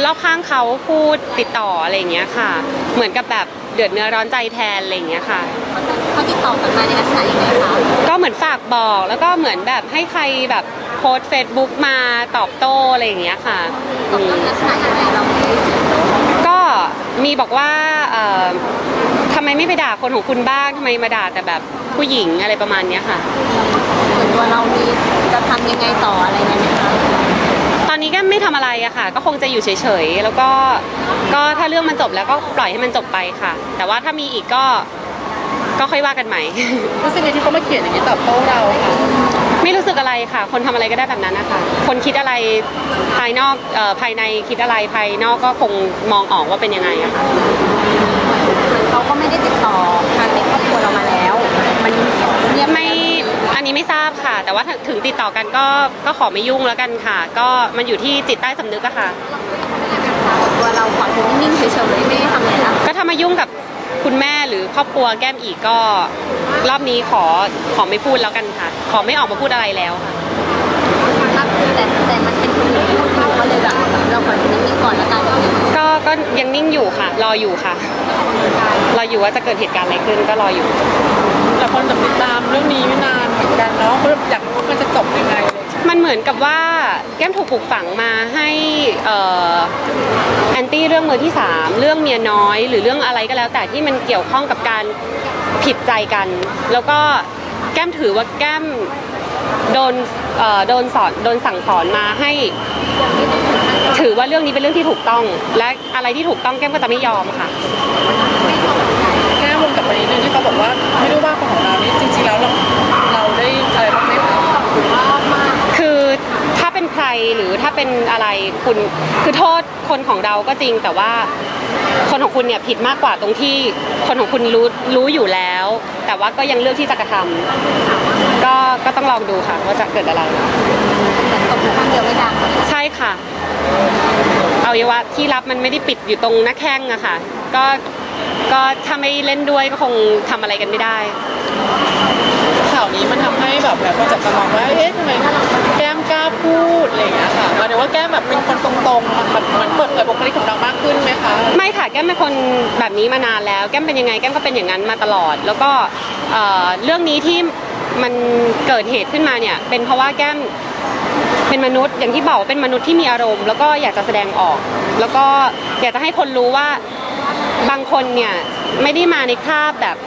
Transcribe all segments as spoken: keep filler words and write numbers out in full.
รอบข้างเขาพูดติดต่ออะไรอย่างเงี้ยค่ะเหมือนกับแบบเดือดเนื้อร้อนใจแทนอะไรอย่างเงี้ยค่ะเขาติดต่อกลับมาในลักษณะยังไงคะก็เหมือนฝากบอกแล้วก็เหมือนแบบให้ใครแบบโพสเฟซบุ๊กมาตอบโต้อะไรอย่างเงี้ยค่ะตอบลักษณะยังไงเราก็มีบอกว่าทำไมไม่ไปด่าคนของคุณบ้างทำไมมาด่าแต่แบบผู้หญิงอะไรประมาณนี้ค่ะส่วนตัวเรามีจะทำยังไงต่ออะไรเงี้ยไหมคะตอนนี้ก็ไม่ทำอะไรอะค่ะก็คงจะอยู่เฉยๆแล้วก็ก็ถ้าเรื่องมันจบแล้วก็ปล่อยให้มันจบไปค่ะแต่ว่าถ้ามีอีกก็ก็ค่อยว่ากันใหม่รู้สึกไงที่เขามาเขียนอย่างนี้ตอบโต้เราค่ะไม่รู้สึกอะไรค่ะคนทำอะไรก็ได้แบบนั้นนะคะคนคิดอะไรภายนอกเอ่อภายในคิดอะไรภายนอกก็คงมองออกว่าเป็นยังไงอะค่ะเขาก็ไม่ได้ติดต่อทางในครอบครัวเรามาแล้วมันเนี่ยไม่อันนี้ไม่ทราบค่ะแต่ว่าถึงติดต่อกันก็ก็ขอไม่ยุ่งแล้วกันค่ะก็มันอยู่ที่จิตใต้สำนึกอะค่ะตัวเราขอคงนิ่งเฉยๆไม่ทำอะไรแล้วก็ถ้ามายุ่งกับคุณแม่หรือครอบครัวแก้มอีกก็รอบนี้ขอขอไม่พูดแล้วกันค่ะขอไม่ออกมาพูดอะไรแล้วค่ะแต่แต่มันเป็นคนอื่นพูดอยู่ก็เลยแบบเราขอนิ่งๆก่อนแล้วกันก็ก็ยังนิ่งอยู่ค่ะรออยู่ค่ะรออยู่ว่าจะเกิดเหตุการณ์อะไรขึ้นก็รออยู่แต่คนแบบติดตามเรื่องนี้ไม่นานเหมือนกันเนาะเขาอยากรู้มันจะจบยังไงมันเหมือนกับว่าแก้มถูกปลูกฝังมาให้แอนตี้เรื่องมือที่สามเรื่องเมียน้อยหรือเรื่องอะไรก็แล้วแต่ที่มันเกี่ยวข้องกับการผิดใจกันแล้วก็แก้มถือว่าแก้มโดนโดนสอนโดนสั่งสอนมาให้ถือว่าเรื่องนี้เป็นเรื่องที่ถูกต้องและอะไรที่ถูกต้องแก้มก็จะไม่ยอมค่ะแก้มวนกลับไปนิดนึงที่เขาบอกว่าไม่รู้ว่าคนของเรานี่จริงๆแล้วเราเราได้อะไรบ้างไหมคะคือถ้าเป็นใครหรือถ้าเป็นอะไรคุณคือโทษคนของเราก็จริงแต่ว่าคนของคุณเนี่ยผิดมากกว่าตรงที่คนของคุณรู้รู้อยู่แล้วแต่ว่าก็ยังเลือกที่จะกระทำก็ก็ต้องลองดูค่ะว่าจะเกิดอะไรแต่ตบข้างเดียวไม่ดังใช่ค่ะเอาเยาวะที่รับมันไม่ได้ปิดอยู่ตรงหน้าแข้งอะค่ะก็ก็ถ้าไม่เล่นด้วยก็คงทำอะไรกันไม่ได้ข่าวนี้มันทำให้แบบแบบคนจับตามองว่าเอ๊ะทำไมแก้มกล้าพูดอะไรอย่างเงี้ยค่ะหมายถึงว่าแก้มแบบเป็นคนตรงๆแบบเหมือนเปิดเผยบุคลิกของเรามากขึ้นไหมคะไม่ค่ะแก้มเป็นคนแบบนี้มานานแล้วแก้มเป็นยังไงแก้มก็เป็นอย่างนั้นมาตลอดแล้วก็เรื่องนี้ที่มันเกิดเหตุขึ้นมาเนี่ยเป็นเพราะว่าแก้มเป็นมนุษย์อย่างที่บอกเป็นมนุษย์ที่มีอารมณ์แล้วก็อยากจะแสดงออกแล้วก็อยากจะให้คนรู้ว่าบางคนเนี่ยไม่ได้มาในคราบแบบ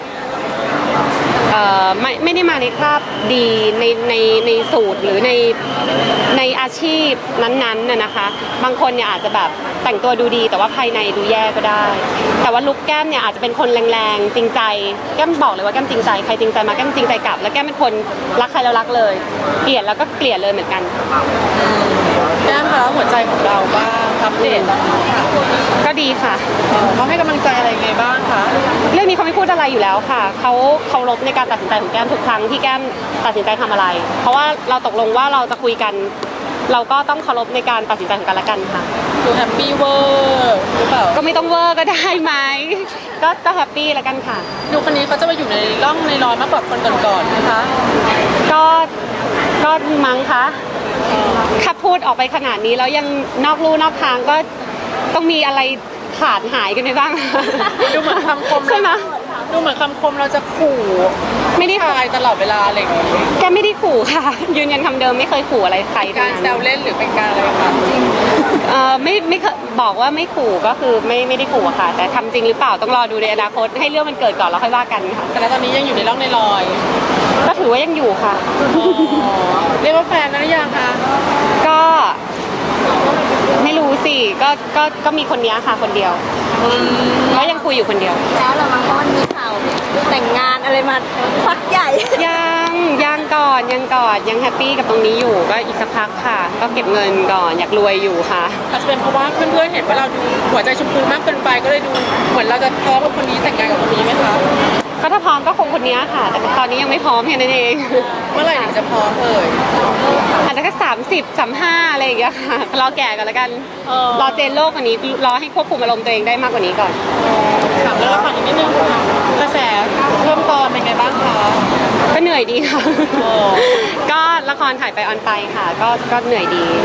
ไม่ไม่ได้มาในคราบดีในในในสูตรหรือในในอาชีพนั้นๆน่ะนะคะบางคนเนี่ยอาจจะแบบแต่งตัวดูดีแต่ว่าภายในดูแย่ก็ได้แต่ว่าลุคแก้มเนี่ยอาจจะเป็นคนแรงๆจริงใจแก้มบอกเลยว่าแก้มจริงใจใครจริงใจมาแก้มจริงใจกลับแล้วแก้มเป็นคนรักใครแล้วรักเลยเกลียดแล้วก็เกลียดเลยเหมือนกันแก้มคะหัวใจของเราบ้างอัปเดตตอนนี้ค่ะก็ดีค่ะเขาให้กำลังใจอะไรไงบ้างคะเรื่องนี้เขาไม่พูดอะไรอยู่แล้วค่ะเขาเคารพในการตัดสินใจของแก้มทุกครั้งที่แก้มตัดสินใจทำอะไรเพราะว่าเราตกลงว่าเราจะคุยกันเราก็ต้องเคารพในการตัดสินใจของกันและกันค่ะดูแฮปปี้เวอร์หรือเปล่าก็ไม่ต้องเวอร์ก็ได้ไหมก็ก็แฮปปี้แล้วกันค่ะดูคนนี้เขาจะมาอยู่ในร่องในรอยมากกว่าคนก่อนๆนะคะก็ก็มั้งคะถ้าพูดออกไปขนาดนี้แล้วยังนอกลู่นอกทางก็ต้องมีอะไรขาดหายกันไปบ้างดูเหมือนคำคมใช่ไหมดูเหมือนคำคมเราจะขู่ไม่ได้ทายตลอดเวลาอะไรอย่างนี้แกไม่ได้ขู่ค่ะยืนยันคำเดิมไม่เคยขู่อะไรใครการแซวเล่นหรือเป็นการอะไรคะจริงเออไม่ไม่บอกว่าไม่ขู่ก็คือไม่ไม่ได้ขู่ค่ะแต่ทำจริงหรือเปล่าต้องรอดูในอนาคตให้เรื่องมันเกิดก่อนแล้วค่อยว่ากันค่ะแต่ตอนนี้ยังอยู่ในร่องในรอยก็ถือว่ายังอยู่ค่ะเรียกว่าแฟนนะหรือยังคะก็ไม่รู้สิก็ก็ก็มีคนนี้ค่ะคนเดียวก็ยังคุยอยู่คนเดียวแล้วเรามาเพราะมันมีข่าวแต่งงานอะไรมาพักใหญ่ยังยังก่อนยังก่อนยังแฮปปี้กับตรงนี้อยู่ก็อีกสักพักค่ะก็เก็บเงินก่อนอยากรวยอยู่ค่ะอาจจะเป็นเพราะว่าเพื่อนๆเห็นว่าเราดูหัวใจชมพูมากเกินไปก็เลยดูเหมือนเราจะพร้อมกับคนนี้แต่งงานกับคนนี้ไหมคะก็ถ้าพร้อมก็คงคนนี้ค่ะแต่ตอนนี้ยังไม่พร้อมแค่นั้นเองเมื่อไหร่ถึงจะพร้อมเอ่ยอาจจะแค่สามสิบสามห้าอะไรอย่างเงี้ยค่ะรอแก่ก่อนแล้วกันรอเจนโลกกว่านี้รอให้ควบคุมอารมณ์ตัวเองได้มากกว่านี้ก่อนถามเรื่องละครอีกนิดนึงกระแสเพิ่มเติมเป็นไงบ้างคะก็เหนื่อยดีค่ะก็ละครถ่ายไปออนไปค่ะก็ก็เหนื่อยดี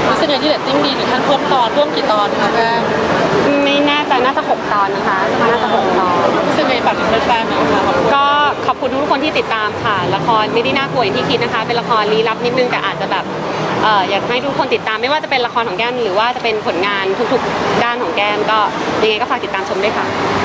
รู้สึกไงที่เรตติ้งดีถึงขั้นเพิ่มตอนร่วมกี่ตอนคะแก้มไม่แน่ใจน่าจะหกตอนนะคะน่าจะหกตอนรู้สึกไงฝากถึงแฟนๆหน่อยค่ะขอบคุณก็ขอบคุณทุกคนที่ติดตามค่ะละครไม่ได้น่ากลัวอย่างที่คิดนะคะ เป็นละครลี้ลับนิดนึงแต่อาจจะแบบเอ่ออยากให้ทุกคนติดตามไม่ว่าจะเป็นละครของแก้มหรือว่าจะเป็นผลงานทุกๆ ด้านของแก้มก็ยังไงก็ฝากติดตามชมด้วยค่ะ